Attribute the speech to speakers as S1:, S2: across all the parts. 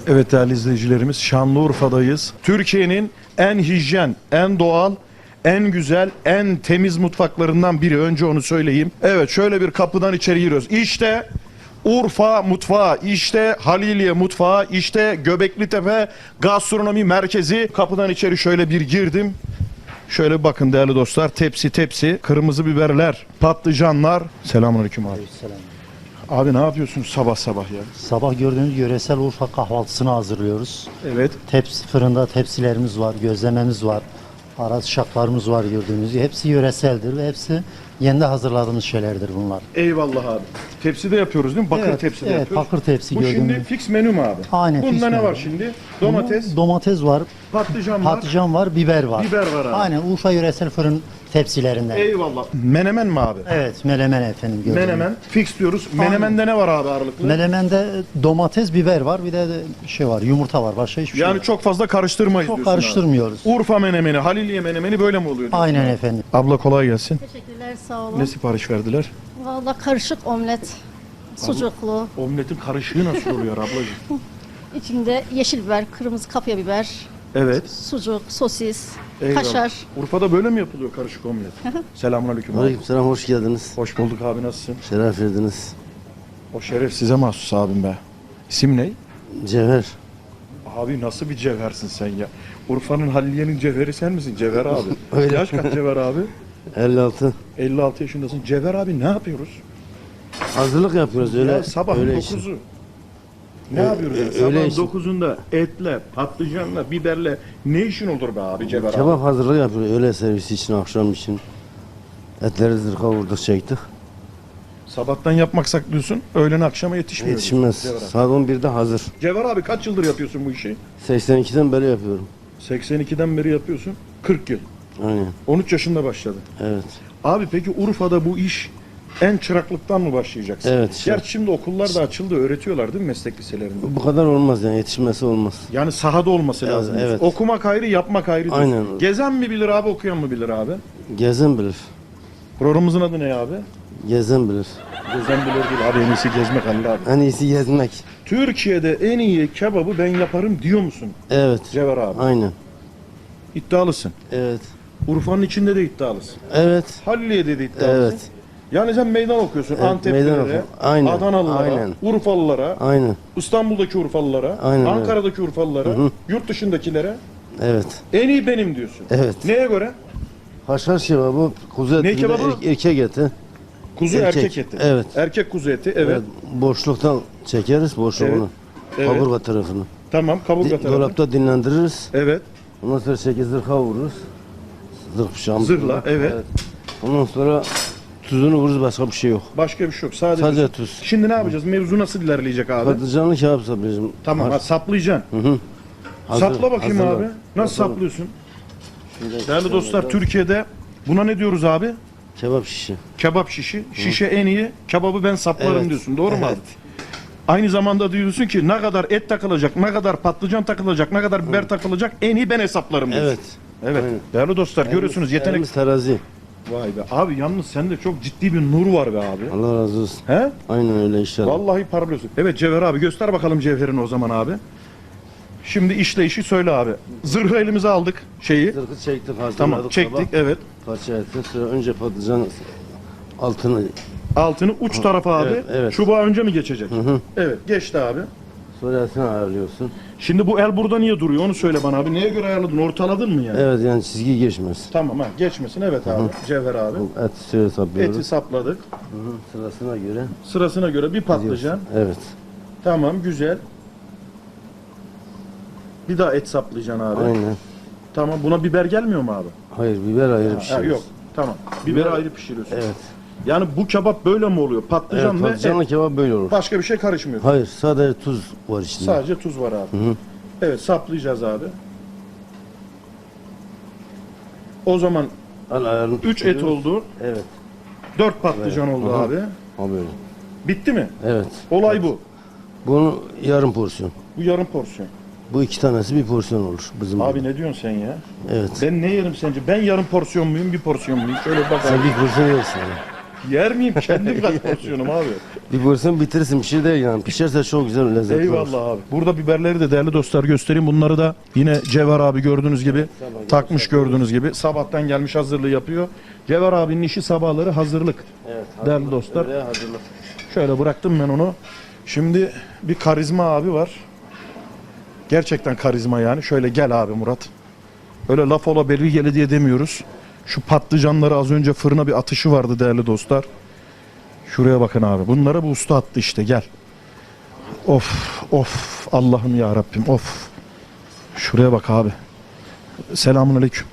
S1: Evet değerli izleyicilerimiz, Şanlıurfa'dayız. Türkiye'nin en hijyen, en doğal, en güzel, en temiz mutfaklarından biri. Önce onu söyleyeyim. Evet, şöyle bir kapıdan içeri giriyoruz. İşte Urfa mutfağı, işte Haliliye mutfağı, işte Göbeklitepe Gastronomi Merkezi. Kapıdan içeri şöyle bir girdim. Şöyle bakın değerli dostlar, tepsi tepsi, kırmızı biberler, patlıcanlar. Selamünaleyküm abi.
S2: Selam.
S1: Abi ne yapıyorsunuz sabah sabah ya?
S2: Sabah gördüğünüz yöresel Urfa kahvaltısını hazırlıyoruz.
S1: Evet.
S2: Fırında tepsilerimiz var, gözlememiz var. Araz şaklarımız var gördüğünüz gibi. Hepsi yöreseldir ve hepsi yeni hazırladığımız şeylerdir bunlar.
S1: Eyvallah abi. Tepside yapıyoruz değil mi? Bakır tepside
S2: evet,
S1: yapıyoruz.
S2: bakır tepsi
S1: Bu
S2: gördüğünüz.
S1: şimdi fix menü mü abi?
S2: Aynen,
S1: Bunda
S2: fix
S1: ne
S2: menü.
S1: var şimdi? Domates,
S2: Domates var,
S1: patlıcan var.
S2: patlıcan var, biber var.
S1: Biber var abi.
S2: Aynen Urfa yöresel fırın tepsilerinden.
S1: Eyvallah. Menemen mi abi?
S2: Evet, melemen efendim gördüğünüz.
S1: Menemen. Fix diyoruz. Menemende ne var abi ağırlıklı?
S2: Melemende domates, biber var, bir de şey var, yumurta var. Başka hiçbir şey
S1: Yani
S2: yok.
S1: çok fazla karıştırmayız
S2: Çok
S1: diyorsun abi.
S2: karıştırmıyoruz.
S1: Urfa menemeni, Haliliye menemeni böyle mi oluyor diyorsun?
S2: Aynen efendim.
S1: Abla kolay gelsin.
S3: Teşekkürler, sağ olun.
S1: Ne sipariş verdiler?
S3: Vallahi karışık omlet, sucuklu,
S1: Omletin karışığı nasıl oluyor ablacığım?
S3: içinde yeşil biber, kırmızı kapya biber,
S1: Evet.
S3: sucuk, sosis,
S1: Eyvallah.
S3: kaşar.
S1: Urfa'da böyle mi yapılıyor karışık omlet? Selamünaleyküm abi.
S4: Aleykümselam, hoş geldiniz.
S1: Hoş bulduk abi, nasılsın?
S4: Şeref verdiniz.
S1: O şeref size mahsus abim be. İsim ne?
S4: Cevher.
S1: Abi nasıl bir cevhersin sen ya? Urfa'nın Haliliye'nin cevheri sen misin Cevher abi?
S4: Öyle.
S1: Yaş kaç Cevher abi?
S4: 56.
S1: 56 yaşındasın. Cevher abi ne yapıyoruz?
S4: Hazırlık yapıyoruz öyle.
S1: Ya sabahın
S4: öyle
S1: 9'u. Ne yapıyoruz? Yani?
S4: öyle
S1: Sabahın
S4: işin.
S1: 9'unda etle, patlıcanla, biberle ne işin olur be abi Cevher abi?
S4: Kebap hazırlığı yapıyoruz öğle servisi için, akşam için. Etleri zırha vurduk, çektik.
S1: Sabahtan yapmak saklıyorsun, öğlen akşama yetişmiyor.
S4: Yetişmez.
S1: Cevher abi.
S4: Saat 11'de hazır.
S1: Cevher abi kaç yıldır yapıyorsun bu işi?
S4: 82'den beri yapıyorum.
S1: 82'den beri yapıyorsun. 40 yıl.
S4: Aynen.
S1: 13 yaşında başladı.
S4: Evet.
S1: Abi peki Urfa'da bu iş en çıraklıktan mı başlayacaksın?
S4: Evet, çırak.
S1: Gerçi şimdi okullar da açıldı, öğretiyorlar değil mi meslek liselerinde?
S4: Bu kadar olmaz yani, yetişmesi olmaz.
S1: Yani sahada olması
S4: Evet,
S1: lazım.
S4: evet.
S1: Okumak ayrı, yapmak ayrı diyorsun.
S4: Aynen.
S1: Gezen mi bilir abi, okuyan mı bilir abi?
S4: Gezen bilir.
S1: Programımızın adı ne abi?
S4: Gezen bilir.
S1: Gezen bilir değil abi, en iyisi gezmek Halil abi.
S4: En iyisi gezmek.
S1: Türkiye'de en iyi kebabı ben yaparım diyor musun
S4: Evet.
S1: Cevher abi?
S4: Aynen.
S1: İddialısın.
S4: Evet.
S1: Urfa'nın içinde de iddialısın.
S4: Evet.
S1: Halliye'de de iddialısın.
S4: Evet.
S1: Yani sen meydan okuyorsun
S4: Evet,
S1: Anteplilere,
S4: meydan oku- Aynen,
S1: Adanalılara,
S4: aynen.
S1: Urfalılara,
S4: Aynen.
S1: İstanbul'daki Urfalılara,
S4: Aynen öyle.
S1: Ankara'daki Urfalılara, yurt dışındakilere
S4: Evet.
S1: en iyi benim diyorsun.
S4: Evet.
S1: Neye göre?
S4: Haşhaş kebabı, kuzu eti,
S1: Ne
S4: bir de
S1: kebabı?
S4: erkek eti.
S1: Kuzu erkek eti.
S4: Evet.
S1: Erkek kuzu eti, evet.
S4: Boşluktan çekeriz boşluğunu.
S1: Evet.
S4: Kaburga tarafını.
S1: Tamam, kaburga tarafı.
S4: Dolapta dinlendiririz.
S1: Evet.
S4: Ondan sonra 8 zırha vururuz. Zırh bıçağımız.
S1: Zırhla, evet.
S4: Ondan sonra tuzunu vururuz, başka bir şey yok.
S1: Başka bir şey yok. Sadece,
S4: Sadece tuz.
S1: Şimdi ne yapacağız? Mevzu nasıl ilerleyecek abi?
S4: Patlıcanlı kebap saplayacağım.
S1: Tamam, ha, saplayacaksın.
S4: Hazır-
S1: Sapla bakayım
S4: hazırla.
S1: abi. Nasıl
S4: Hazırla.
S1: saplıyorsun?
S4: Şöyle
S1: Değerli dostlar, Türkiye'de buna ne diyoruz abi?
S4: Kebap şişi.
S1: Kebap şişi. Şişe en iyi, kebabı ben saplarım
S4: Evet.
S1: diyorsun. Doğru mu abi?
S4: Evet.
S1: Aynı zamanda diyorsun ki ne kadar et takılacak, ne kadar patlıcan takılacak, ne kadar biber takılacak en iyi ben hesaplarım diyorsun.
S4: Evet.
S1: Evet.
S4: Aynen.
S1: Değerli dostlar görüyorsunuz yetenek.
S4: Elimiz terazi.
S1: Vay be. Abi yalnız sende çok ciddi bir nur var be abi.
S4: Allah razı olsun.
S1: He?
S4: Aynen öyle inşallah.
S1: Vallahi parlıyorsun. Evet Cevher abi göster bakalım cevherini o zaman abi. Şimdi işleyişi söyle abi. Zırhı elimize aldık şeyi.
S4: Zırhı çektik, hazırladık.
S1: Tamam çektik
S4: kebap.
S1: evet.
S4: Parça ettik. Sonra önce patlıcan altını,
S1: Altını uç tarafa abi.
S4: Evet, evet.
S1: Çubuğa önce mi geçecek? Evet geçti abi.
S4: sonra etini ayarlıyorsun.
S1: Şimdi bu el burada niye duruyor onu söyle bana abi. Neye göre ayarladın? Ortaladın mı yani?
S4: Evet, yani çizgi geçmez.
S1: Tamam ha geçmesin evet abi. Cevher abi.
S4: Bu eti şöyle saplıyoruz.
S1: Eti sapladık.
S4: Sırasına göre.
S1: Sırasına göre bir patlıcan.
S4: Evet.
S1: Tamam güzel. Bir daha et saplayacaksın abi.
S4: Aynen.
S1: Tamam buna biber gelmiyor mu abi?
S4: Hayır, biber ayrı bir
S1: Ha,
S4: şey.
S1: yok. Tamam. Biberi ayrı pişiriyorsun.
S4: Evet.
S1: Yani bu kebap böyle mi oluyor? Patlıcan
S4: Evet,
S1: ve
S4: patlıcanlı
S1: et.
S4: kebap böyle olur.
S1: Başka bir şey karışmıyor.
S4: Hayır, sadece tuz var içinde.
S1: Sadece tuz var abi. Evet saplayacağız abi. O zaman
S4: Al ayarını
S1: 3 et
S4: tutuyoruz.
S1: oldu.
S4: Evet.
S1: 4 patlıcan oldu
S4: Aha.
S1: abi.
S4: Ha böyle.
S1: Bitti mi?
S4: Evet.
S1: Olay bu.
S4: Bunu yarım porsiyon.
S1: Bu yarım porsiyon.
S4: Bu iki tanesi bir porsiyon olur bizim.
S1: Abi ne diyorsun sen ya?
S4: Evet.
S1: Ben ne yerim sence? Ben yarım porsiyon muyum, bir porsiyon muyum? Şöyle bak
S4: Sen
S1: abi.
S4: bir porsiyon yersin. Yani.
S1: Yer miyim? Kendim kaç porsiyonum abi.
S4: Bir vursun bitirsin bir şey değil yani. Pişerse çok güzel lezzetli olur.
S1: Eyvallah abi. Burada biberleri de değerli dostlar göstereyim. Bunları da yine Cevher abi gördüğünüz gibi takmış gördüğünüz gibi. Sabahtan gelmiş hazırlığı yapıyor. Cevher abinin işi sabahları hazırlık.
S4: Evet,
S1: Değerli dostlar.
S4: Öyle hazırlık.
S1: Şöyle bıraktım ben onu. Şimdi bir karizma abi var. Gerçekten karizma yani. Şöyle gel abi Murat. Öyle laf ola beri gele diye demiyoruz. Şu patlıcanları az önce fırına bir atışı vardı değerli dostlar. Şuraya bakın abi. Bunları bu usta attı işte gel. Of of Allah'ım ya Rabbim of. Şuraya bak abi. Selamünaleyküm.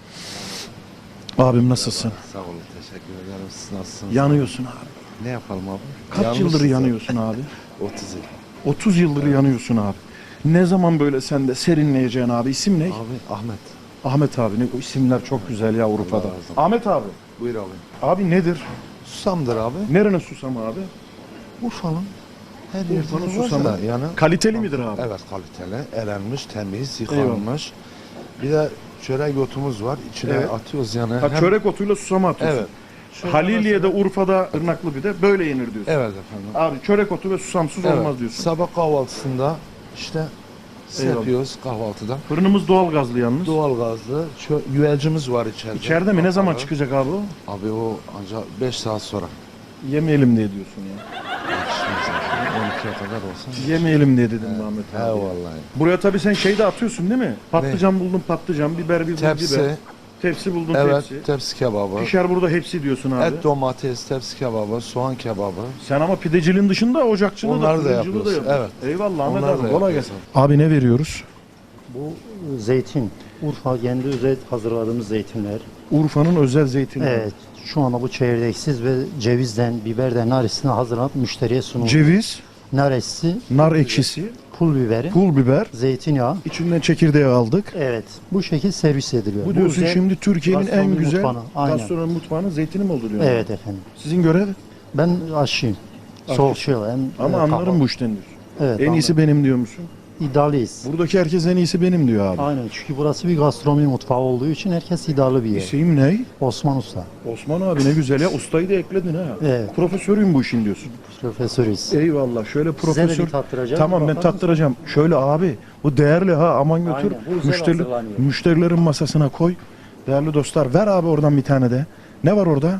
S1: Abim nasılsın?
S5: Sağ olun, teşekkür ederim. Siz nasılsınız?
S1: Yanıyorsun abi.
S5: Ne yapalım abi?
S1: Kaç
S5: Yalnız
S1: yıldır
S5: size-
S1: yanıyorsun abi?
S5: 30 yıl.
S1: 30 yıldır yanıyorsun abi. Ne zaman böyle sen de serinleyeceksin abi? İsim ne?
S5: Abi Ahmet.
S1: Ahmet abi. Ne, o isimler çok güzel ya Urfa'da.
S5: Allah razı olsun.
S1: Ahmet abi.
S5: Buyur abi.
S1: Abi nedir?
S5: Susamdır abi.
S1: Nerenin susamı abi?
S5: Urfa'nın her
S1: Urfa'nın
S5: yerinde
S1: susamı.
S5: var da yani.
S1: Kaliteli midir abi?
S5: Evet kaliteli, elenmiş, temiz, yıkanmış. Bir de çörek otumuz var. İçine
S1: Evet.
S5: atıyoruz yani.
S1: Ha,
S5: Hem-
S1: çörek otuyla susama atıyorsun.
S5: Evet. Şöyle
S1: Haliliye'de,
S5: mesela-
S1: Urfa'da, Irnaklı bir de böyle yenir diyorsun.
S5: Evet efendim.
S1: Abi çörek otu ve susamsız
S5: Evet.
S1: olmaz diyorsun.
S5: Sabah kahvaltısında işte
S1: Eyvallah.
S5: yapıyoruz kahvaltıda.
S1: Fırınımız doğal gazlı yalnız.
S5: Doğal gazlı yüelcimiz var içeride.
S1: İçeride mi? Ne zaman
S5: Kapalı.
S1: çıkacak abi o?
S5: Abi o ancak 5 saat sonra.
S1: Yemeyelim diye diyorsun ya.
S5: Yetişmez abi. 12'ye kadar olsa.
S1: Yemeyelim diye dedim Ahmet
S5: He
S1: abi.
S5: vallahi.
S1: Buraya tabii sen şey de atıyorsun değil mi? Patlıcan buldun patlıcan, biber buldun
S5: Tepsi,
S1: biber. Tepsi buldun
S5: evet,
S1: tepsi.
S5: tepsi kebabı,
S1: Pişer burada hepsi diyorsun abi.
S5: et domates, tepsi kebabı, soğan kebabı.
S1: Sen ama pideciliğin dışında ocakçılığı
S5: Onları da
S1: fırıncılığı
S5: yapıyoruz,
S1: yapıyorsun. Eyvallah Ahmet
S5: Onları
S1: abi
S5: da
S1: kolay
S5: yapıyoruz
S1: gelsin. Abi ne veriyoruz?
S2: Bu zeytin. Urfa kendi özel hazırladığımız zeytinler.
S1: Urfa'nın özel zeytini.
S2: Evet. Şu anda bu çekirdeksiz ve cevizden, biberden, nar ekşisini hazırlanıp müşteriye sunulur.
S1: Ceviz,
S2: Nar ekşisi,
S1: nar ekşisi,
S2: pul biberi,
S1: pul biber,
S2: zeytinyağı.
S1: içinden çekirdeği aldık.
S2: Evet. Bu şekil servis ediliyor.
S1: Bu diyorsun
S2: özel
S1: şimdi Türkiye'nin en
S2: gastronomi
S1: güzel
S2: mutfağına, aynen.
S1: gastronomi mutfağının zeytini mi olur diyor?
S2: Evet efendim.
S1: Sizin görev
S2: Ben aşçıyım. Soğukçuyum.
S1: ama anlarım bu işten diyorsun.
S2: Evet.
S1: En iyisi benim diyor musun?
S2: İddialıyız.
S1: Buradaki herkes en iyisi benim diyor abi.
S2: Aynen. Çünkü burası bir gastronomi mutfağı olduğu için herkes iddialı bir yer.
S1: İsim ne?
S2: Osman Usta.
S1: Osman abi ne güzel ya. Ustayı da ekledin ha.
S2: Evet.
S1: Profesörüyüm bu işin diyorsun.
S2: Profesörüz.
S1: Eyvallah. Şöyle
S2: Size de
S1: profesör.
S2: bir tattıracağım.
S1: Tamam ben
S2: Bakar mısın?
S1: tattıracağım. Şöyle abi bu değerli ha aman götür.
S2: Aynen, bu özel hazırlanıyor.
S1: Müşterilerin masasına koy. Değerli dostlar ver abi oradan bir tane de. Ne var orada?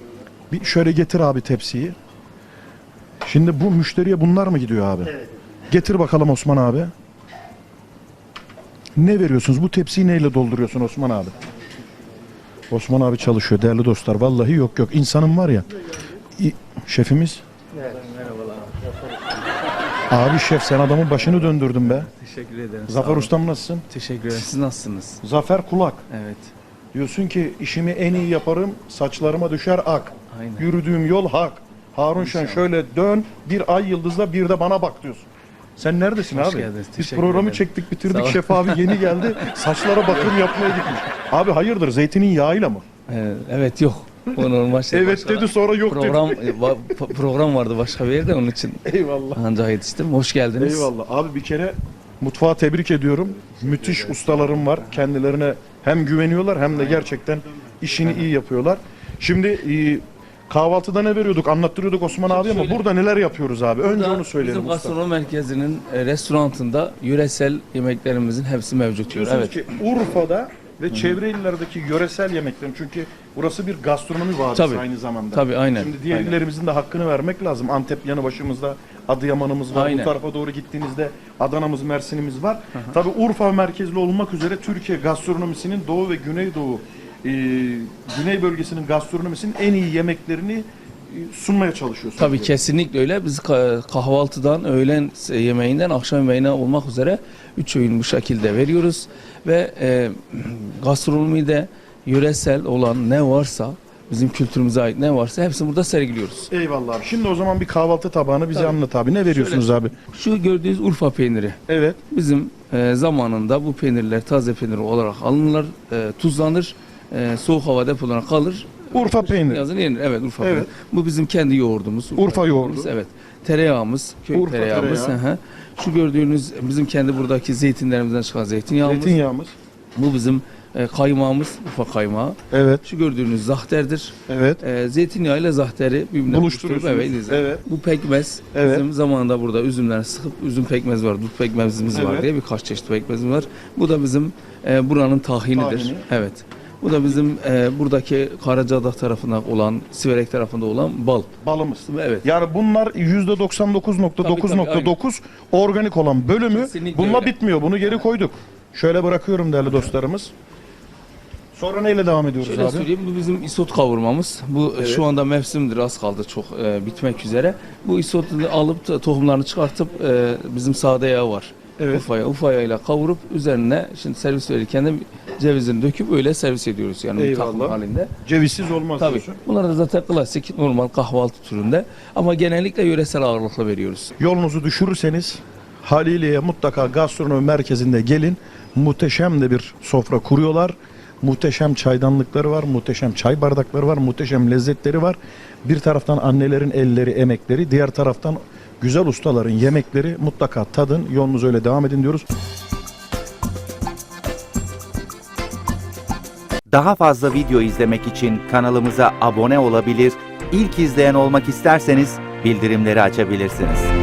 S1: Bir şöyle getir abi tepsiyi. Şimdi bu müşteriye bunlar mı gidiyor abi?
S2: Evet.
S1: Getir bakalım Osman abi. Ne veriyorsunuz? Bu tepsiyi neyle dolduruyorsun Osman abi? Osman abi çalışıyor değerli dostlar. Vallahi yok yok. İnsanım var ya. Şefimiz. Abi şef sen adamın başını döndürdün be.
S6: Teşekkür ederim. sağ
S1: Zafer
S6: olun.
S1: ustam nasılsın?
S6: Teşekkür ederim. Siz nasılsınız?
S1: Zafer Kulak.
S6: Evet.
S1: Diyorsun ki işimi en iyi yaparım. Saçlarıma düşer ak.
S6: Aynen.
S1: Yürüdüğüm yol hak. Harun Şen şöyle dön. Bir ay yıldızla bir de bana bak diyorsun. Sen neredesin
S6: Hoş
S1: abi?
S6: geldiniz,
S1: Biz
S6: teşekkür
S1: programı
S6: ederim.
S1: çektik bitirdik.
S6: Sağ ol.
S1: Şef abi yeni geldi. Saçlara bakım yapmaya gitmiş. Abi hayırdır zeytinin yağıyla mı?
S6: Evet yok. O normal şey.
S1: Evet
S6: Başka
S1: dedi sonra yok
S6: program
S1: dedi.
S6: program vardı başka bir yerde onun için
S1: Eyvallah.
S6: ancak yetiştim. Hoş geldiniz.
S1: Eyvallah. Abi bir kere mutfağı tebrik ediyorum. Müthiş ustalarım var. Kendilerine hem güveniyorlar hem de gerçekten işini iyi yapıyorlar. Şimdi kahvaltıda ne veriyorduk? Anlattırıyorduk Osman abi ama
S6: şöyle-
S1: burada neler yapıyoruz abi? Önce
S6: Burada
S1: onu söyleyelim
S6: Bizim
S1: usta.
S6: gastronomi merkezinin restorantında yöresel yemeklerimizin hepsi mevcut diyor.
S1: Diyorsunuz
S6: Evet.
S1: ki Urfa'da ve çevre illerdeki yöresel yemeklerin çünkü burası bir gastronomi vadisi
S6: Tabii.
S1: aynı zamanda.
S6: Tabii aynen.
S1: Şimdi diğer
S6: aynen.
S1: illerimizin de hakkını vermek lazım. Antep yanı başımızda Adıyaman'ımız var.
S6: Aynen.
S1: Bu tarafa doğru gittiğinizde Adana'mız, Mersin'imiz var. Tabii Urfa merkezli olmak üzere Türkiye gastronomisinin Doğu ve Güneydoğu Güney bölgesinin gastronomisinin en iyi yemeklerini sunmaya çalışıyorsunuz.
S6: Tabii kesinlikle öyle. Biz kahvaltıdan, öğlen yemeğinden, akşam yemeğine olmak üzere 3 öğün bu şekilde veriyoruz. Ve gastronomide yöresel olan ne varsa, bizim kültürümüze ait ne varsa hepsini burada sergiliyoruz.
S1: Eyvallah abi. Şimdi o zaman bir kahvaltı tabağını bize
S6: Tabii.
S1: anlat abi. Ne veriyorsunuz abi?
S6: Şu gördüğünüz Urfa peyniri.
S1: Evet.
S6: Bizim zamanında bu peynirler taze peynir olarak alınırlar, tuzlanır, soğuk hava depolarına kalır.
S1: Urfa peyniri.
S6: Yazın yenir. Evet Urfa
S1: Evet.
S6: peyniri. Bu bizim kendi yoğurdumuz.
S1: Urfa yoğurdu.
S6: Evet. Tereyağımız, köy
S1: Urfa
S6: tereyağımız.
S1: tereyağı.
S6: Şu gördüğünüz bizim kendi buradaki zeytinlerimizden çıkan zeytinyağımız.
S1: Zeytinyağımız.
S6: Bu bizim kaymağımız Urfa kaymağı.
S1: Evet.
S6: Şu gördüğünüz zahterdir.
S1: Evet.
S6: Zeytinyağı ile zahteri birbirine
S1: Buluşturuyorsunuz.
S6: buluşturup
S1: Evet.
S6: Bu pekmez
S1: Evet.
S6: bizim zamanında burada üzümden sıkıp üzüm pekmezi var, dut pekmezimiz var
S1: Evet.
S6: diye birkaç çeşit pekmezimiz var. Bu da bizim buranın tahinidir.
S1: Tahini.
S6: Evet. Bu da bizim buradaki Karacadağ tarafında olan, Siverek tarafında olan bal.
S1: Balımız.
S6: Evet.
S1: Yani bunlar %99.9.9 organik olan bölümü
S6: Kesinlikle
S1: bununla
S6: öyle.
S1: bitmiyor. Bunu geri koyduk. Şöyle bırakıyorum değerli dostlarımız. Sonra neyle devam ediyoruz
S6: Şöyle
S1: abi?
S6: söyleyeyim, bu bizim isot kavurmamız. Bu şu anda mevsimdir, az kaldı çok bitmek üzere. Bu isotu alıp tohumlarını çıkartıp bizim sade yağı var.
S1: Evet.
S6: Ufa yağıyla kavurup üzerine şimdi servis verirken de cevizini döküp öyle servis ediyoruz yani
S1: Eyvallah.
S6: takım halinde.
S1: Cevizsiz olmaz
S6: Tabii.
S1: diyorsun.
S6: Bunlar da zaten klasik normal kahvaltı türünde ama genellikle yöresel ağırlıkla veriyoruz.
S1: Yolunuzu düşürürseniz Haliliye'ye mutlaka gastronomi merkezinde gelin. Muhteşem de bir sofra kuruyorlar. Muhteşem çaydanlıkları var, muhteşem çay bardakları var, muhteşem lezzetleri var. Bir taraftan annelerin elleri, emekleri, diğer taraftan güzel ustaların yemekleri. Mutlaka tadın, yolunuza öyle devam edin diyoruz.
S7: Daha fazla video izlemek için kanalımıza abone olabilir, ilk izleyen olmak isterseniz bildirimleri açabilirsiniz.